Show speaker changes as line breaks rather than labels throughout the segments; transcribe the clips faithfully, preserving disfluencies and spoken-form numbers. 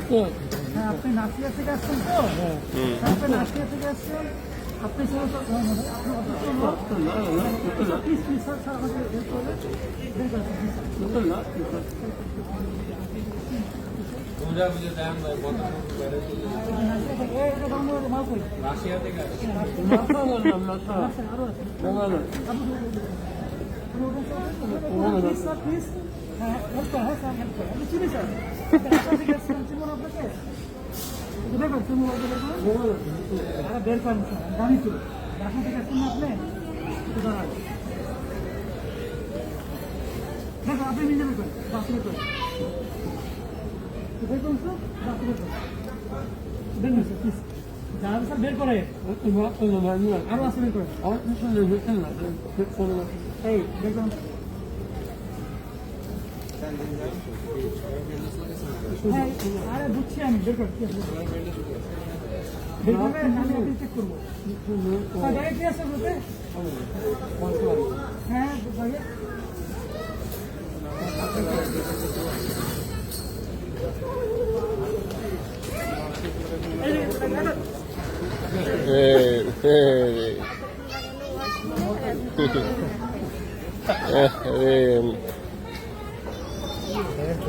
আপনি নাসিয়া থেকে আসছেন তো আপনি নাসিয়া থেকে আসছেন আপনি প্লিজ প্লিজ স্যার স্যার আমাকে হেল্প করবেন
রাশিয়া থেকে
প্লিজ স্যার প্লিজ হ্যাঁ হেল্প করেন হ্যাঁ স্যার হেল্প করেন আমি চিনি স্যার থেকে আসছেন চিনুন আপনাকে দেখুন চিনুন আরে বের করেন স্যার জানি তো রাশিয়া থেকে আসছেন না আপনি দাঁড়ান দেখুন আপনি নিজে বের করেন বাসলে করেন দেখুন স্যার বাসলে করেন দেখুন স্যার প্লিজ যারা স্যার বের করে আরো আসলে বের করে এই দেখুন হ্যাঁ আরে বুঝছি আমি বের কর বের করবে আমি আপনি চেক করবো জায়গায় কি আছে বলতে হ্যাঁ জায়গায়
Hey, hey. hey.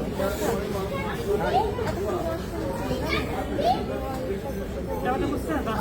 Dapat tembus